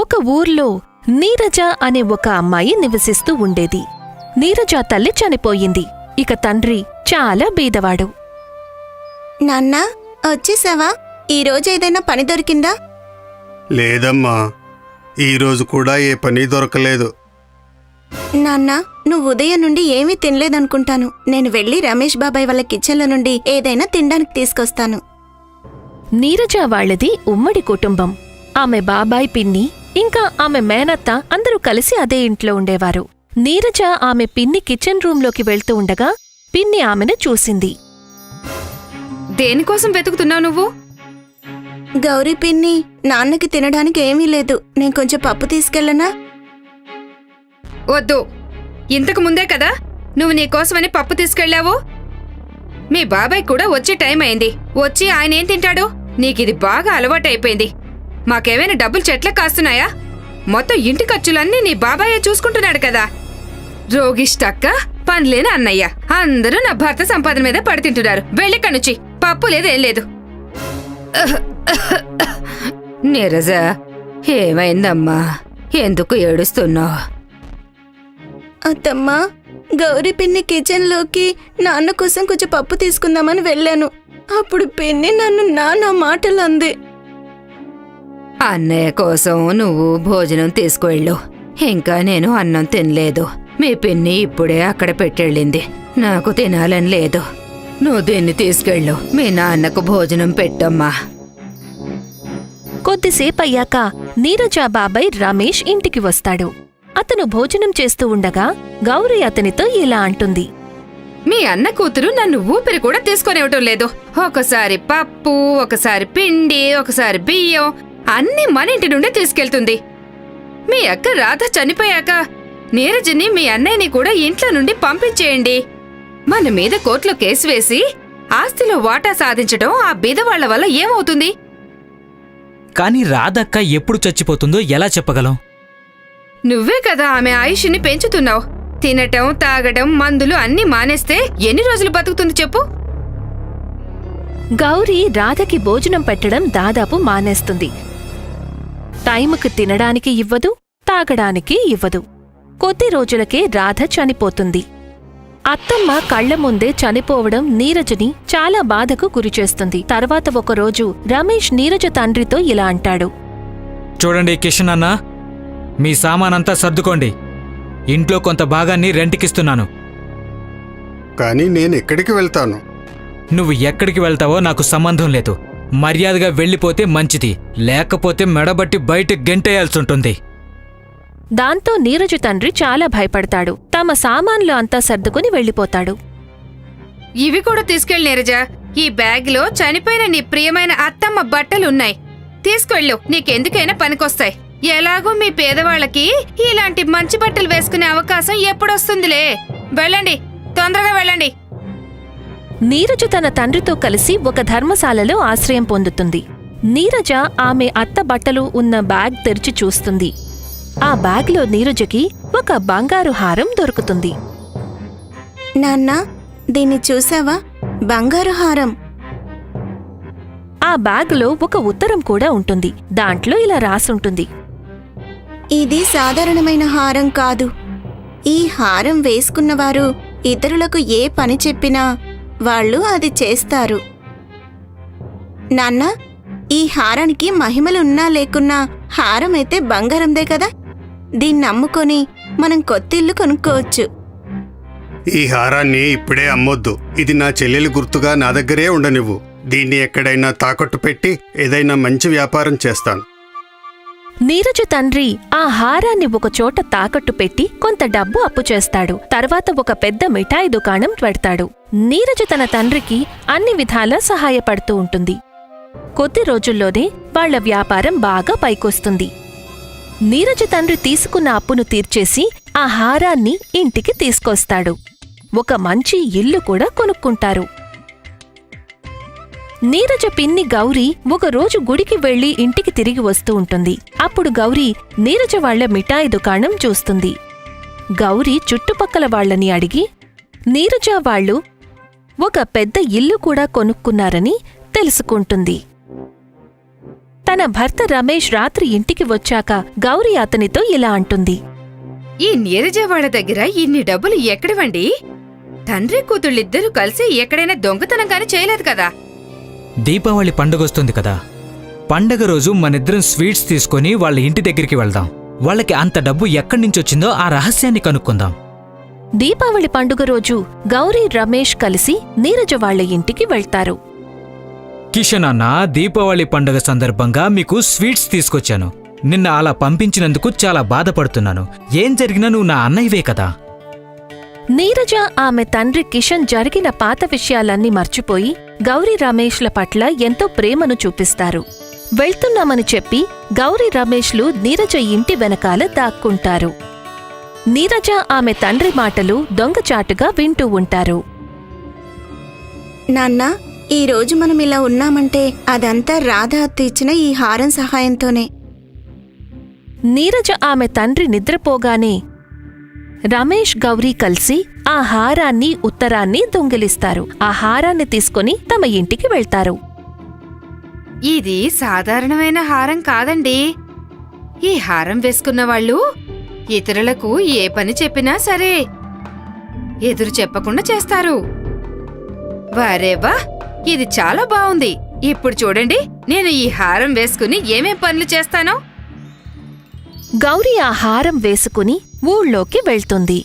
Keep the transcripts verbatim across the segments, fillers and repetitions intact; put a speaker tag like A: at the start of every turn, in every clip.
A: ఒక ఊర్లో నీరజ అనే ఒక అమ్మాయి నివసిస్తూ ఉండేది. నీరజ తల్లి చనిపోయింది. ఇక తండ్రి చాలా బీదవాడు.
B: నాన్నా, వచ్చేసావా? ఈరోజేదైనా పని దొరికిందా?
C: లేదమ్మా, ఈరోజు కూడా ఏ పని దొరకలేదు.
B: నాన్నా, నువ్వు ఉదయం నుండి ఏమీ తినలేదనుకుంటాను. నేను వెళ్ళి రమేష్ బాబాయ్ వాళ్ళ కిచెన్ల నుండి ఏదైనా తినడానికి తీసుకొస్తాను.
A: నీరజ వాళ్లది ఉమ్మడి కుటుంబం. ఆమె బాబాయ్, పిన్ని ఇంకా ఆమె మేనత్త అందరూ కలిసి అదే ఇంట్లో ఉండేవారు. నీరజ ఆమె పిన్ని కిచెన్ రూంలోకి వెళ్తూ ఉండగా పిన్ని ఆమెను చూసింది.
D: దేనికోసం వెతుకుతున్నావు నువ్వు?
B: గౌరీ పిన్ని, నాన్నకి తినడానికి ఏమీ లేదు. నేను కొంచెం పప్పు తీసుకెళ్ళనా?
D: వద్దు, ఇంతకు ముందే కదా నువ్వు నీకోసమని పప్పు తీసుకెళ్లావు. మీ బాబాయ్ కూడా వచ్చే టైం అయింది. వచ్చి ఆయన ఏం తింటాడు? నీకిది బాగా అలవాటైపోయింది. మాకేమైనా డబ్బులు చెట్లకు కాస్తున్నాయా? మొత్తం ఇంటి ఖర్చులన్నీ నీ బాబాయే చూసుకుంటున్నాడు కదా. రోగిష్టక్క, పనిలేని అన్నయ్య, అందరూ నా భర్త సంపాదన మీద పడితింటున్నారు. వెళ్ళిక్కడి పప్పు లేదు, ఏం లేదు. నీరజ, ఏమైందమ్మా? ఎందుకు ఏడుస్తున్నావు?
B: అత్తమ్మా, గౌరీ పిన్ని కిచెన్లోకి నాన్న కోసం కొంచెం పప్పు తీసుకుందామని వెళ్ళాను. అప్పుడు పిన్ని నన్ను నాన్న మాటలు అంది.
D: అన్నయ్య కోసం నువ్వు భోజనం తీసుకువెళ్ళు. ఇంకా నేను అన్నం తినలేదు. మీ పిన్ని ఇప్పుడే అక్కడ పెట్టెళ్ళింది. నాకు తినాలని లేదు. నువ్వు దీన్ని తీసుకెళ్ళు. మీ నాన్నకు భోజనం పెట్టమ్మా.
A: కొద్దిసేపయ్యాక నీరజ బాబాయ్ రమేష్ ఇంటికి వస్తాడు. అతను భోజనం చేస్తూ ఉండగా గౌరీ అతనితో ఇలా అంటుంది.
D: మీ అన్న కూతురు నన్ను ఊపిరి కూడా తీసుకొనివ్వటం లేదు. ఒకసారి పప్పు, ఒకసారి పిండి, ఒకసారి బియ్యం అన్నీ మన ఇంటి నుండే తీసుకెళ్తుంది. మీ అక్క రాధ చనిపోయాక నీరజని మీ అన్నయ్యని కూడా ఇంట్లో నుండి పంపించేయండి. మన మీద కోర్టులో కేసు వేసి ఆస్తిలో వాటా సాధించడం ఆ బీదవాళ్ల వల్ల ఏమవుతుంది?
E: కాని రాధక్క ఎప్పుడు చచ్చిపోతుందో ఎలా చెప్పగలం?
D: నువ్వే కదా ఆమె ఆయుష్ని పెంచుతున్నావు. తినటం, తాగడం, మందులు అన్నీ మానేస్తే ఎన్ని రోజులు బతుకుతుంది చెప్పు?
A: గౌరీ రాధకి భోజనం పెట్టడం దాదాపు మానేస్తుంది. టైముకు తినడానికి ఇవ్వదు, తాగడానికి ఇవ్వదు. కొద్ది రోజులకే రాధ చనిపోతుంది. అత్తమ్మ కళ్ల ముందే చనిపోవడం నీరజని చాలా బాధకు గురిచేస్తుంది. తర్వాత ఒకరోజు రమేష్ నీరజ తండ్రితో ఇలా అంటాడు.
E: చూడండి కిషన్ అన్నా, మీ సామానంతా సర్దుకోండి. ఇంట్లో కొంత భాగాన్ని రెంట్కిస్తున్నాను.
C: కానీ నేను ఎక్కడికి వెళ్తాను?
E: నువ్వు ఎక్కడికి వెళ్తావో నాకు సంబంధం లేదు. మర్యాదగా వెళ్ళిపోతే మంచిది, లేకపోతే మెడబట్టి బయట గెంటేయాల్సుంటుంది.
A: దాంతో నీరజ తండ్రి చాలా భయపడతాడు. తమ సామాన్లు అంతా సర్దుకుని వెళ్ళిపోతాడు.
D: ఇవి కూడా తీసుకెళ్ళి నీరజ. ఈ బ్యాగ్లో చనిపోయిన నీ ప్రియమైన అత్తమ్మ బట్టలున్నాయి. తీసుకెళ్ళు, నీకెందుకైనా పనికొస్తాయి. ఎలాగో మీ పేదవాళ్లకి ఇలాంటి మంచి బట్టలు వేసుకునే అవకాశం ఎప్పుడొస్తుందిలే. వెళ్ళండి, తొందరగా వెళ్ళండి.
A: నీరజ తన తండ్రితో కలిసి ఒక ధర్మశాలలో ఆశ్రయం పొందుతుంది. నీరజ ఆమె అత్త బట్టలు ఉన్న బ్యాగ్ తెరిచి చూస్తుంది. ఆ బ్యాగ్లో నీరజకి ఒక బంగారు హారం దొరుకుతుంది.
B: నాన్నా, దీన్ని చూసావా? బంగారు హారం.
A: ఆ బ్యాగులో ఒక ఉత్తరం కూడా ఉంటుంది. దాంట్లో ఇలా రాసుంటుంది.
B: ఇది సాధారణమైన హారం కాదు. ఈ హారం వేసుకున్నవారు ఇతరులకు ఏ పని చెప్పినా వాళ్ళు అది చేస్తారు. నాన్నా, ఈ హారానికి మహిమలున్నా లేకున్నా హారమైతే బంగారందే కదా. దీన్ని అమ్ముకొని మనం కొత్తిల్లు కొనుక్కోవచ్చు.
C: ఈ హారాన్ని ఇప్పుడే అమ్మొద్దు. ఇది నా చెల్లెలి గుర్తుగా నా దగ్గరే ఉండనివ్వు. దీన్ని ఎక్కడైనా తాకట్టు పెట్టి ఏదైనా మంచి వ్యాపారం చేస్తాను.
A: నీరజ తండ్రి ఆ హారాన్ని ఒకచోట తాకట్టు పెట్టి కొంత డబ్బు అప్పు చేస్తాడు. తర్వాత ఒక పెద్ద మిఠాయి దుకాణం పెడతాడు. నీరజ తన తండ్రికి అన్ని విధాలా సహాయపడుతూ ఉంటుంది. కొద్ది రోజుల్లోనే వాళ్ల వ్యాపారం బాగా పైకొస్తుంది. నీరజ తండ్రి తీసుకున్న అప్పును తీర్చేసి ఆ హారాన్ని ఇంటికి తీసుకొస్తాడు. ఒక మంచి ఇల్లు కూడా కొనుక్కుంటారు. నీరజ పిన్ని గౌరీ ఒకరోజు గుడికి వెళ్లి ఇంటికి తిరిగి వస్తూ ఉంటుంది. అప్పుడు గౌరీ నీరజ వాళ్ల మిఠాయి దుకాణం చూస్తుంది. గౌరీ చుట్టుపక్కల వాళ్లని అడిగి నీరజ వాళ్లు ఒక పెద్ద ఇల్లు కూడా కొనుక్కున్నారని తెలుసుకుంటుంది. తన భర్త రమేష్ రాత్రి ఇంటికి వచ్చాక గౌరీ అతనితో ఇలా అంటుంది.
D: ఈ నీరజ వాళ్ళ దగ్గర ఇన్ని డబ్బులు ఎక్కడివండి? తండ్రి కూతుళ్ళిద్దరూ కలిసి ఎక్కడైనా దొంగతనం కాని చేయలేదు కదా.
E: దీపావళి పండుగొస్తుంది కదా, పండగ రోజు మనిద్దరం స్వీట్స్ తీసుకొని వాళ్ళ ఇంటి దగ్గరికి వెళ్దాం. వాళ్ళకి అంత డబ్బు ఎక్కడి నుంచొచ్చిందో ఆ రహస్యాన్ని కనుక్కుందాం.
A: దీపావళి పండుగ రోజు గౌరీ రమేష్ కలిసి నీరజ వాళ్ళ ఇంటికి వెళ్తారు.
E: కిషన్ అన్న, దీపావళి పండుగ సందర్భంగా మీకు స్వీట్స్ తీసుకొచ్చాను. నిన్న అలా పంపించినందుకు చాలా బాధపడుతున్నాను. ఏం జరిగినా నువ్వు నా అన్నయ్యవే కదా.
A: నీరజ ఆమె తండ్రి కిషన్ జరిగిన పాత విషయాలన్నీ మర్చిపోయి గౌరీ రమేష్ల పట్ల ఎంతో ప్రేమను చూపిస్తారు. వెళ్తున్నామని చెప్పి గౌరీ రమేష్లు నీరజ ఇంటి వెనకాల దాక్కుంటారు. నీరజ ఆమె తండ్రి మాటలు దొంగచాటుగా వింటూ ఉంటారు.
B: నాన్న, ఈ రోజు మనం ఇలా ఉన్నామంటే అదంతా రాధ అత్త ఇచ్చిన ఈ హారం సహాయంతోనే.
A: నీరజ ఆమె తండ్రి నిద్రపోగానే రమేష్ గౌరీ కలిసి ఆ హారాన్ని ఉత్తరాన్ని దొంగిలిస్తారు. ఆ హారాన్ని తీసుకుని తమ ఇంటికి వెళ్తారు.
D: ఇది సాధారణమైన హారం కాదండి. ఈ హారం వేసుకున్న వాళ్ళు ఇతరులకు ఏ పని చెప్పినా సరే ఎదురు చెప్పకుండా చేస్తారు. వారేవా, ఇది చాలా బావుంది. ఇప్పుడు చూడండి, నేను ఈ హారం వేసుకుని ఏమేం పనులు చేస్తానో.
A: గౌరీ ఆ హారం వేసుకుని ఊళ్ళోకి వెళ్తుంది.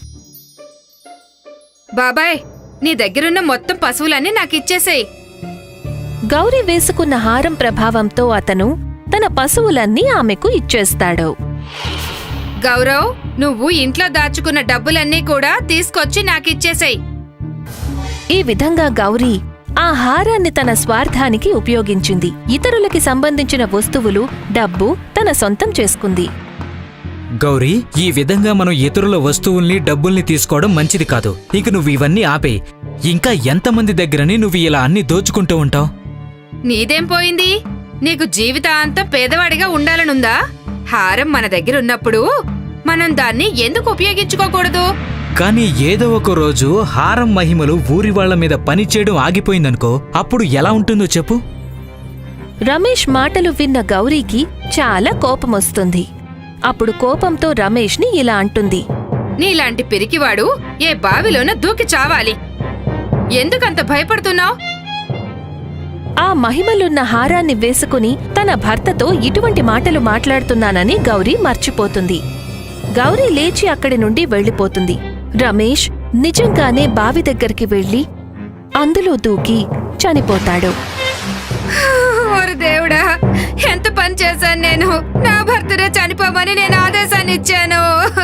D: బాబాయ్, నీ దగ్గరున్న మొత్తం పశువులన్నీ నాకిచ్చేసేయ్.
A: గౌరీ వేసుకున్న హారం ప్రభావంతో అతను తన పశువులన్నీ ఆమెకు ఇచ్చేస్తాడు.
D: గౌరవ్, నువ్వు ఇంట్లో దాచుకున్న డబ్బులన్నీ కూడా తీసుకొచ్చి నాకిచ్చేసేయ్.
A: ఈ విధంగా గౌరీ ఆ హారాన్ని తన స్వార్థానికి ఉపయోగించింది. ఇతరులకి సంబంధించిన వస్తువులు, డబ్బు తన సొంతం చేసుకుంది.
E: గౌరీ, ఈ విధంగా మనం ఇతరుల వస్తువుల్ని డబ్బుల్ని తీసుకోవడం మంచిది కాదు. ఇక నువ్వు ఇవన్నీ ఆపే. ఇంకా ఎంతమంది దగ్గరని నువ్వు ఇలా అన్ని దోచుకుంటూ ఉంటావు?
D: నీదేం పోయింది? నీకు జీవితాంతం పేదవాడిగా ఉండాలనుందా? హారం మన దగ్గరున్నప్పుడు మనం దాన్ని ఎందుకు ఉపయోగించుకోకూడదు?
E: కానీ ఏదో ఒక రోజు హారం మహిమలు ఊరి వాళ్ల మీద పనిచేయడం ఆగిపోయిందనుకో, అప్పుడు ఎలా ఉంటుందో చెప్పు.
A: రమేష్ మాటలు విన్న గౌరీకి చాలా కోపమొస్తుంది. అప్పుడు కోపంతో రమేష్ని ఇలా అంటుంది.
D: నీలాంటి పిరికివాడు ఏ బావిలోన దూకి చావాలి. ఎందుకంత భయపడుతున్నావ్?
A: ఆ మహిమలున్న హారాన్ని వేసుకుని తన భర్తతో ఇటువంటి మాటలు మాట్లాడుతున్నానని గౌరీ మర్చిపోతుంది. గౌరీ లేచి అక్కడి నుండి వెళ్ళిపోతుంది. రమేష్ నిజంగానే బావి దగ్గరికి వెళ్లి అందులో దూకి చనిపోతాడు.
D: ఓరి దేవుడా, ఎంత పని చేశాను నేను! నా భర్తనే చనిపోమని నేను ఆదేశాన్ని ఇచ్చాను.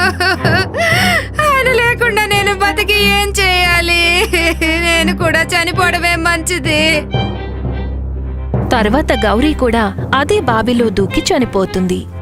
D: ఆయన లేకుండా నేను బతికి ఏం చేయాలి? నేను కూడా చనిపోవడమే మంచిది.
A: తర్వాత గౌరీ కూడా అదే బావిలో దూకి చనిపోతుంది.